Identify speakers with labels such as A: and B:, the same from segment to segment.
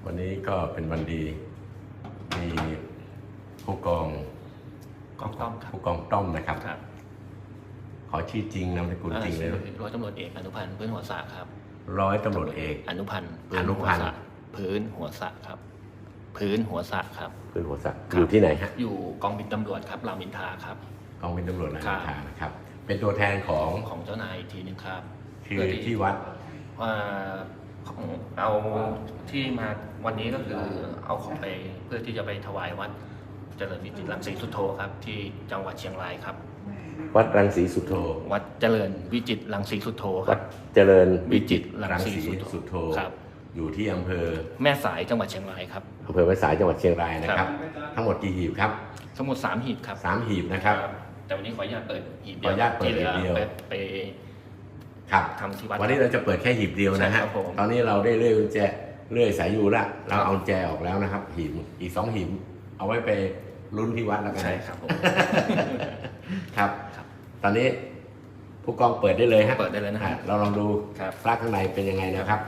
A: วันนี้ก็เป็นวันดีมีผู้กอง
B: ต้อมครับ
A: ผู้กองต้อมนะครับ
B: ครับ
A: ขอชื่อจริงนามสกุลจริงเลย
B: ร้อยตำรวจเอกอนุพันธ์พื้นหัวสระครับ
A: ร้อยตำรวจเอก
B: อนุพันธ์
A: อนุพันธ์
B: พื้นหัวสระครับพื้นหัวสระครับ
A: พื้นหัวสักอยู่ที่ไหนฮะ
B: อยู่กองบินตำรวจครับรามอินทราครับ
A: กองบินตำรวจราม
B: ครั
A: อิ
B: บ
A: นทรานะครับ เป็นตัวแทนของ
B: ของเจ้านายอีกทีหนึงครับ
A: คือที่วัด
B: ว่าเอาที่มาวันนี้ก็คือเอาของไปเพื่อที่จะไปถวายวัดเจริญวิจิตรรังสีสุโธครับที่จังหวัดเชียงรายครับ
A: วัดรังสีสุโธ
B: วัดเจริญวิจิตรรังสีสุโธค
A: วั
B: รั
A: ด
B: บ
A: เจริญ
B: วิจิตรรั
A: รั
B: ง
A: ง
B: สี
A: สีสุโธ
B: ครับ
A: อยู่ที่อำเภอ
B: แม่สายจังหวัดเชียงรายครับ
A: อำเภอแม่สายจังหวัดเชียงรายนะครับ ทั้งหมดกี่หีบครับ
B: ทั้งหมด3หีบครับ
A: 3 หีบนะครับ
B: แต่วันนี้ขออนุญาตเปิดหีบ
A: ขออนุญาตเปิดหีบเดียว
B: ไป
A: ครับ
B: ทำที่วัด
A: วันนี้เราจะเปิดแค่หีบเดียวนะฮะ
B: ใช่ครับผม
A: ตอนนี้เราได้เลื่อยกุญแจเลื่อยสายยูละเราเอากุญแจออกแล้วนะครับ หีบอีก2หีบเอาไว้ไปลุ้นที่วัดแล้วกัน
B: ใช่ครับผม
A: ครับ
B: ครับ
A: ตอนนี้ผู้กองเปิดได้เลยฮะ
B: เปิดได้เลยนะครับ
A: เราลองดู
B: ครับ
A: พระข้างในเป็นยังไงนะครับ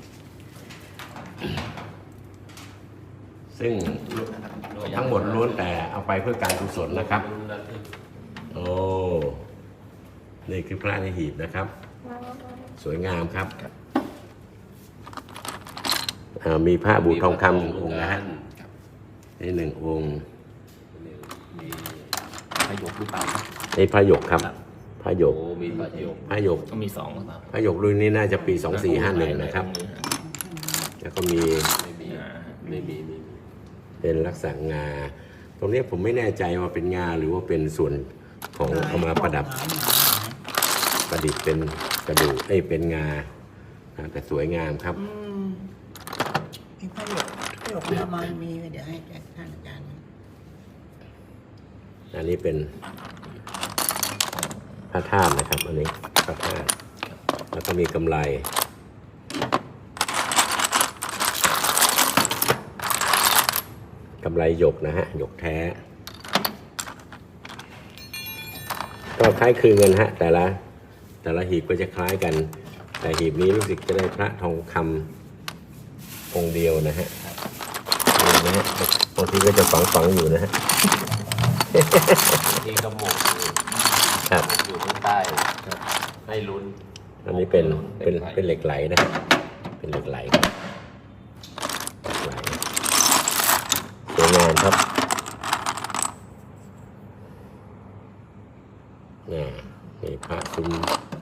A: ซึ่งทั้งหมดล้วนแต่เอาไปเพื่อการกุศลนะครับ โอ้ นี่คือพระในหีบนะครับ สวยงามครับมีพระบูทองคำ1 องค์นะฮะนี่1 องค์
B: ประโยคหรือเปล่าครับ
A: นี่พระหยกครับ พระหยก
C: มีประโยค
A: พระหยก
B: ก็มี2หรือเปล่า
A: พระหยกรุ่นนี้น่าจะปี 2451 นะครับ แล้วก็มี
C: ไม่มีไม่มี
A: เป็นลักษณะงา ตรงนี้ผมไม่แน่ใจว่าเป็นงาหรือว่าเป็นส่วนของเอามาประดับประดิษฐ์เป็นกระดูกเป็นงาแต่สวยงามครับ
D: ไอ้ประโยคประมาณมีเดี๋ยวให้ท่านอาจารย์
A: อันนี้เป็นพระธาตุนะครับ อันนี้พระธาตุแล้วก็มีกำไรหยกนะฮะหยกแท้ ก็คล้ายคลึงกันฮะแต่ละหีบก็จะคล้ายกัน แต่หีบนี้รู้สึกจะได้พระทองคำองค์เดียวนะฮะนี่นะฮะบางทีก็จะฝังอยู่นะฮะ
C: ที่กระหมก
A: ครับ
C: อยู่ข้างใต้ให้ลุ้น
A: อันนี้เป็นเหล็กไหลนะเป็นเหล็กไหลครับเหล็กไหลสวยงามครับนี่พระซุ้ม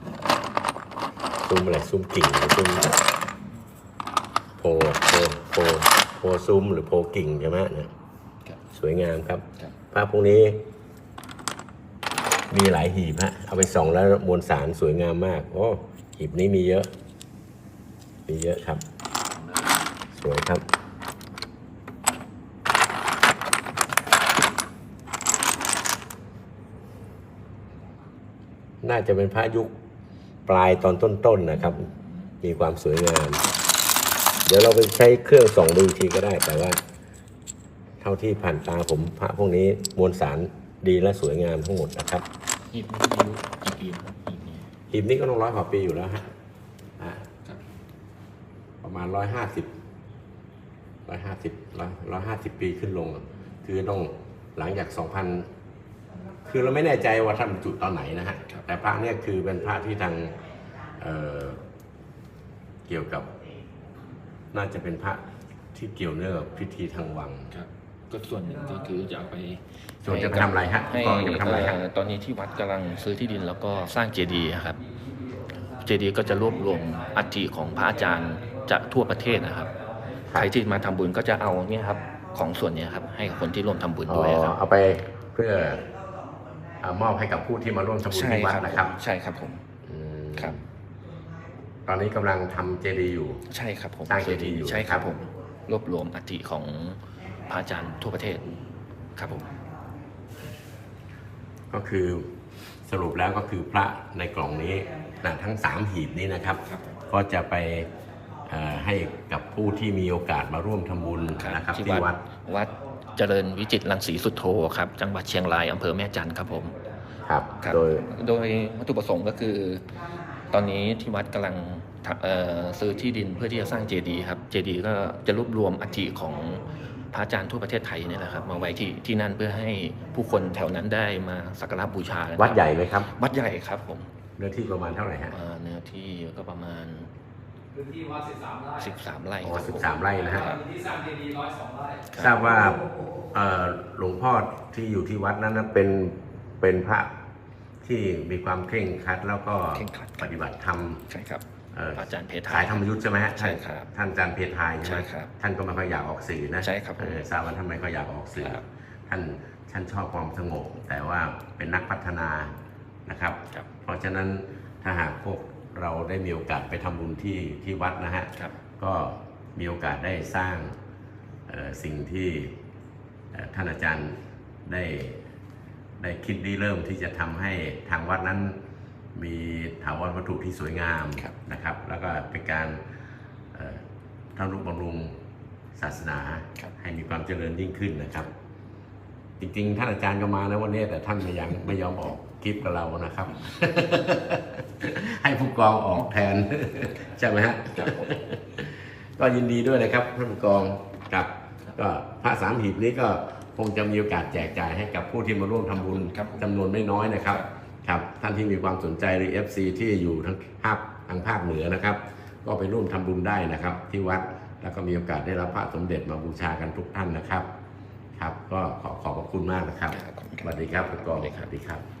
A: อะไรซุ้มกิ่งหรือซุ้มโพซุ้มหรือโพกิ่งใช่ไหมเนี่ยสวยงามครับพระพวกนี้มีหลายหีบฮะเอาไปส่องแล้วมวลสารสวยงามมากโอ้หีบนี้มีเยอะครับ สวยครับน่าจะเป็นพระยุคปลายตอนต้นๆนะครับ มีความสวยงาม เดี๋ยวเราไปใช้เครื่องส่องดูอีกทีก็ได้ แต่ว่าเท่าที่ผ่านตาผมพระพวกนี้มวลสารดีและสวยงามทั้งหมดนะครับ
B: หีบนี้อายุกี่ปีครับหีบนี้
A: หีบนี้ก็ต้อง100 กว่าปีอยู่แล้วฮะประมาณ150 ปีขึ้นลง คือต้องหลังจาก2,000 คือเราไม่แน่ใจว่าท่านบรรจุตอนไหนนะฮะแต่พระเนี่ยคือเป็นพระที่ทางเกี่ยวกับน่าจะเป็นพระที่เกี่ยวเนื่องกับพิธีทางวัง
B: ครับก็ส่วนหนึ่งก็คือจะเอาไป
A: ส่วนจะไปทำอะไรฮะ
B: ให้
A: กองจะไปทำอะไรฮะ
B: ตอนนี้ที่วัดกำลังซื้อที่ดินแล้วก็สร้างเจดีย์ครับเจดีย์ก็จะรวบรวมอัฐิของพระอาจารย์จากทั่วประเทศนะครับใครที่มาทำบุญก็จะเอาเนี่ยครับของส่วนเนี้ยครับให้กับคนที่ร่วมทำบุญด้วยครับ
A: เอาไปเพื่อมอบให้กับผู้ที่มาร่วมทำบุญที่วัดนะครับ
B: ใช่ครับผม
A: อืม
B: ครับ
A: ตอนนี้กำลังทำเจดีย์อยู่
B: ใช่ครับผม
A: สร้างเจดีย์อยู่
B: ใช่ครับผมรวบรวมอัฐิของพระอาจารย์ทั่วประเทศครับผม
A: ก็คือสรุปแล้วก็คือพระในกล่องนี้ทั้ง3หีบนี้นะครับ ก็จะไปให้กับผู้ที่มีโอกาสมาร่วมทำบุญนะครับที่วัด
B: เจริญวิจิตรรังสีสุโธครับจังหวัดเชียงรายอำเภอแม่จันทร์ครับผม
A: ครับ
B: ครับ
A: โดย
B: โดยวัตถุประสงค์ก็คือตอนนี้ที่วัดกำลังซื้อที่ดินเพื่อที่จะสร้างเจดีย์ครับเจดีย์ก็จะรวบรวมอัฐิของพระอาจารย์ทั่วประเทศไทยนี่แหละครับมาไว้ที่นั่นเพื่อให้ผู้คนแถวนั้นได้มาสักการะบูชานะครับ
A: วัดใหญ่ไหมครับ
B: วัดใหญ่ครับผม
A: เนื้อที่ประมาณเท่าไหร่ฮะ
B: เนื้อที่ก็ประมาณ13 ไร่
A: อ๋อ
B: ครับผม
A: 13 ไร่นะฮะ
E: ที่สร้างเจดีย์102 ไร่
A: ทราบว่าหลวงพ่อที่อยู่ที่วัดนั้นนะเป็นพระที่มีความเคร่งครัดแล้วก็
B: เคร่งครัด
A: ปฏิบัติธรรม
B: ใช่ครับอาจารย์เพทา
A: สายธรรมยุทธ์ใช่ไหมฮะ
B: ใช่ครับ
A: ท่านอาจารย์เพทายใช่ไหม
B: ใช่ครับ
A: ท่านก็ไม่ค่อยอยากออกสื่อนะ
B: ใช่ครับผม
A: ทราบว่าท่านไม่ค่อยอยากออกสื่อ
B: ครับ
A: ท่านชอบความสงบแต่ว่าเป็นนักพัฒนานะครับ
B: ครับ
A: เพราะฉะนั้นถ้าหากพวกเราได้มีโอกาสไปทำบุญที่วัดนะฮะ
B: ครับ
A: ก็มีโอกาสได้สร้างสิ่งที่ท่านอาจารย์ได้คิดเริ่มที่จะทำให้ทางวัดนั้นมีถาวรวัตถุที่สวยงาม
B: ครับ
A: นะครับ แล้วก็เป็นการทำนุบำรุงศาสนา
B: ครับ
A: ให้มีความเจริญยิ่งขึ้นนะครับ จริงๆท่านอาจารย์ก็มานะวันนี้แต่ท่านไม่ยอมออกคลิปกับเรานะครับ ให้ผู้กองออกแทน ใช่ไหมฮะ ก็ยินดีด้วยนะครับท่านผู้กองกับก็พระ3 หีบนี้ก็คงจะมีโอกาสแจกจ่ายให้กับผู้ที่มาร่วมทำบุญ
B: ครับ
A: จำนวนไม่น้อยนะครับครับท่านที่มีความสนใจหรือ FC ที่อยู่ทางภาคเหนือนะครับ ก็ไปร่วมทำบุญได้นะครับ ที่วัดแล้วก็มีโอกาสได้รับพระสมเด็จมาบูชากันทุกท่านนะครับ ครับก็ขอบพระคุณมากนะครับ
B: ครับขอบคุณครับ
A: สวัสดีครับผู้กอง
B: สวัสดีครับ
A: สวัสดีครับ